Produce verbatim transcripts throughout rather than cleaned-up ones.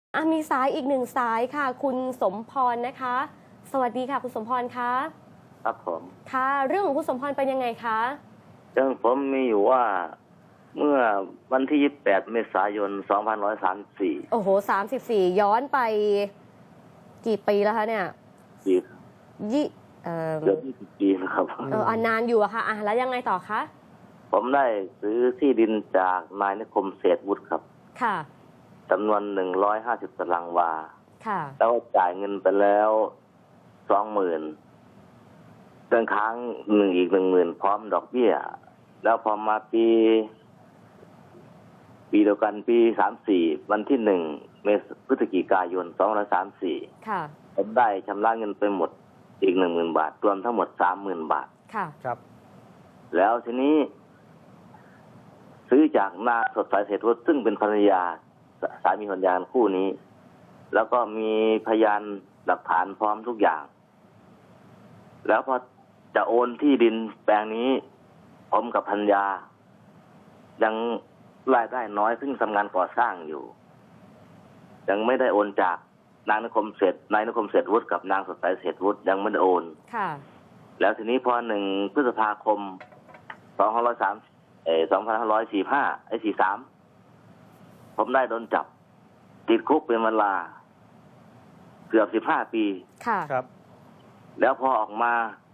อ่ะมีสายอีกหนึ่งสายค่ะคุณสมพรนะคะ สวัสดีค่ะคุณสมพรคะครับผมค่ะเรื่องของคุณสมพรเป็นยังไงคะเรื่องผมมีอยู่ว่าเมื่อวันที่ยี่สิบแปดเมษายนสองพันร้อยสามสิบสี่โอ้โหสามสิบสี่ย้อนไปกี่ปีแล้วคะเนี่ยปียี่เอ่อเกือบยี่สิบปีนะครับเอออนานอยู่อะค่ะอ่ะแล้วยังไงต่อคะผมได้ซื้อที่ดินจากนายนิคมเศรษฐวุฒิครับค่ะจำนวนหนึ่งร้อยห้าสิบตารางวาค่ะแล้วจ่ายเงินไปแล้วสองหมื่นเงินค้างหนึ่งอีกหนึ่งหมื่นพร้อมดอกเบี้ยแล้วพอมาปีปีเดียวกันปีสามสี่วันที่หนึ่งเมษพฤศจิกายนสองร้อยสามสี่ค่ะผมได้ชำระเงินไปหมดอีกหนึ่งหมื่นบาทรวมทั้งหมดสามหมื่นบาทค่ะครับแล้วทีนี้ ซื้อจากนางสดใสเศรษฐวุฒิซึ่งเป็นภรรยาสามีภรรยาคู่นี้ แล้วก็มีพยานหลักฐานพร้อมทุกอย่าง แล้วพอจะโอนที่ดินแปลงนี้ผมกับภรรยา ยังรายได้น้อยซึ่งทำงานก่อสร้างอยู่ ยังไม่ได้โอนจากนางนิคมเศรษฐนายนิคมเศรษฐวุฒิกับนางสดใสเศรษฐวุฒิยังไม่ได้โอนค่ะแล้วทีนี้พอหนึ่งพฤษภาคมสองพันร้อยสามเออสองพันห้าร้อยสี่ห้าไอ้สี่สามผมได้โดนจับติดคุกเป็นเวลาเกือบสิบห้าปีค่ะครับแล้วพอออกมา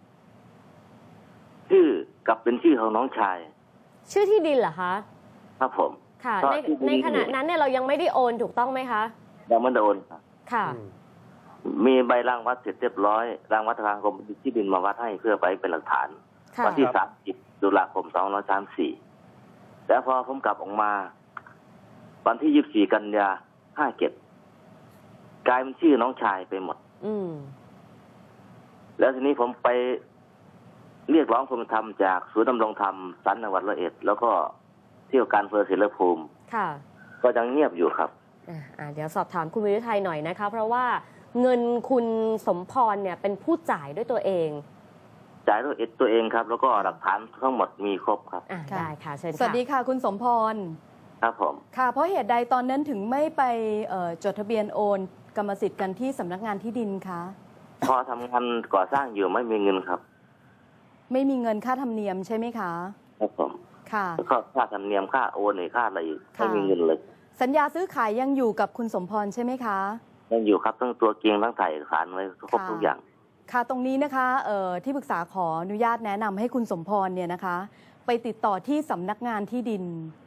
ชื่อกับเป็นชื่อของน้องชายชื่อที่ดินเหรอคะครับผมค่ะในในขณะนั้นเนี่ยเรายังไม่ได้โอนถูกต้องไหมคะยังไม่ได้โอนค่ะมีใบรางวัดเสร็จเรียบร้อยรางวัดทางกรมที่ดินมาวัดให้เพื่อไปเป็นหลักฐานวันที่สามสิบตุลาคมสองพันห้าร้อยสามสิบสี่แล้วพอผมกลับออกมาวันที่ยี่สิบสี่กันยาห้าเจ็ดกลายเป็นชื่อน้องชายไปหมดอืมแล้วทีนี้ผมไปเรียกร้องความเป็นธรรมจากศูนย์ดำรงธรรมสันจังหวัดร้อยเอ็ดแล้วก็เที่ยวการอำเภอศรีภูมิค่ะก็ยังเงียบอยู่ครับอ่าเดี๋ยวสอบถามคุณวิรุทัยหน่อยนะคะเพราะว่าเงินคุณสมพรเนี่ยเป็นผู้จ่ายด้วยตัวเองจ่ายด้วยตัวเองครับแล้วก็หลักฐานทั้งหมดมีครบครับได้ค่ะเชิญค่ะสวัสดีค่ะคุณสมพรครับผมค่ะเพราะเหตุใดตอนนั้นถึงไม่ไปจดทะเบียนโอนกรรมสิทธิ์กันที่สำนักงานที่ดินคะพอทำงานก่อสร้างอยู่ไม่มีเงินครับไม่มีเงินค่าธรรมเนียมใช่ไหมคะครับผมค่ะแล้วก็ค่าธรรมเนียมค่าโอนหรือค่าอะไรไม่มีเงินเลยสัญญาซื้อขายยังอยู่กับคุณสมพรใช่ไหมคะยังอยู่ครับทั้งตัวเกียงทั้งถ่ายเอกสารไว้ครบทุกอย่างค่ะตรงนี้นะคะเอ่อที่ปรึกษาขออนุญาตแนะนำให้คุณสมพรเนี่ยนะคะไปติดต่อที่สำนักงานที่ดิน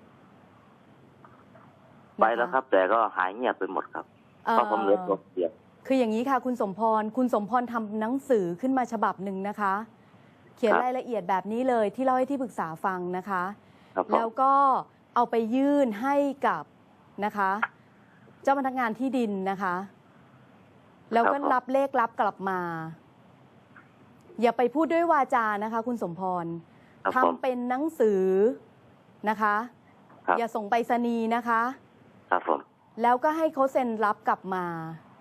ไปแล้วครับแต่ก็หายเงียบไปหมดครับเพราะผมเหลือตัวเดียวคืออย่างนี้ค่ะคุณสมพรคุณสมพรทำหนังสือขึ้นมาฉบับหนึ่งนะคะเขียนรายละเอียดแบบนี้เลยที่เล่าให้ที่ปรึกษาฟังนะคะแล้วก็เอาไปยื่นให้กับนะคะเจ้าพนักงานที่ดินนะคะแล้วก็รับเลขรับกลับมาอย่าไปพูดด้วยวาจานะคะคุณสมพรทำเป็นหนังสือนะคะอย่าส่งไปรษณีย์นะคะครับผมแล้วก็ให้เขาเซ็นรับกลับมา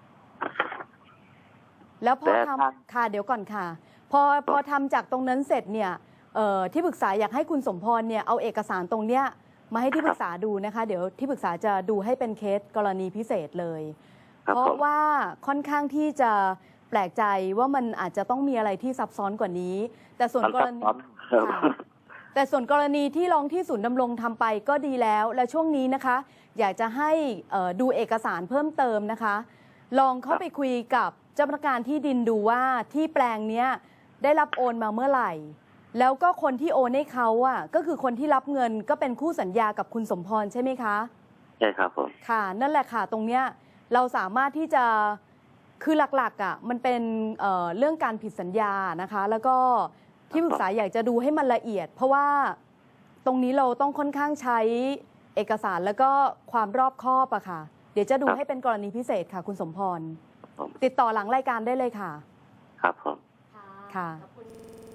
แล้วพอทำค่ะเดี๋ยวก่อนค่ะพอพอทำจากตรงนั้นเสร็จเนี่ยที่ปรึกษาอยากให้คุณสมพรเนี่ยเอาเอกสารตรงเนี้ยมาให้ที่ปรึกษาดูนะคะเดี๋ยวที่ปรึกษาจะดูให้เป็นเคสกรณีพิเศษเลยเพราะว่าค่อนข้างที่จะแปลกใจว่ามันอาจจะต้องมีอะไรที่ซับซ้อนกว่านี้แต่ส่วนกรณีแต่ส่วนกรณีที่ร้องที่ศูนย์ดำรงทำไปก็ดีแล้วและช่วงนี้นะคะอยากจะให้ดูเอกสารเพิ่มเติมนะคะลองเข้าไปคุยกับเจ้าพนักงานที่ดินดูว่าที่แปลงนี้ได้รับโอนมาเมื่อไหร่แล้วก็คนที่โอนให้เขาอ่ะก็คือคนที่รับเงินก็เป็นคู่สัญญากับคุณสมพรใช่ไหมคะใช่ครับผมค่ะนั่นแหละค่ะตรงเนี้ยเราสามารถที่จะคือหลักๆอ่ะมันเป็น เอ่อ เรื่องการผิดสัญญานะคะแล้วก็ที่ปรึกษาอยากจะดูให้มันละเอียดเพราะว่าตรงนี้เราต้องค่อนข้างใช้เอกสารแล้วก็ความรอบคอบอะค่ะเดี๋ยวจะดูให้เป็นกรณีพิเศษค่ะคุณสมพรติดต่อหลังรายการได้เลยค่ะครับผมค่ะ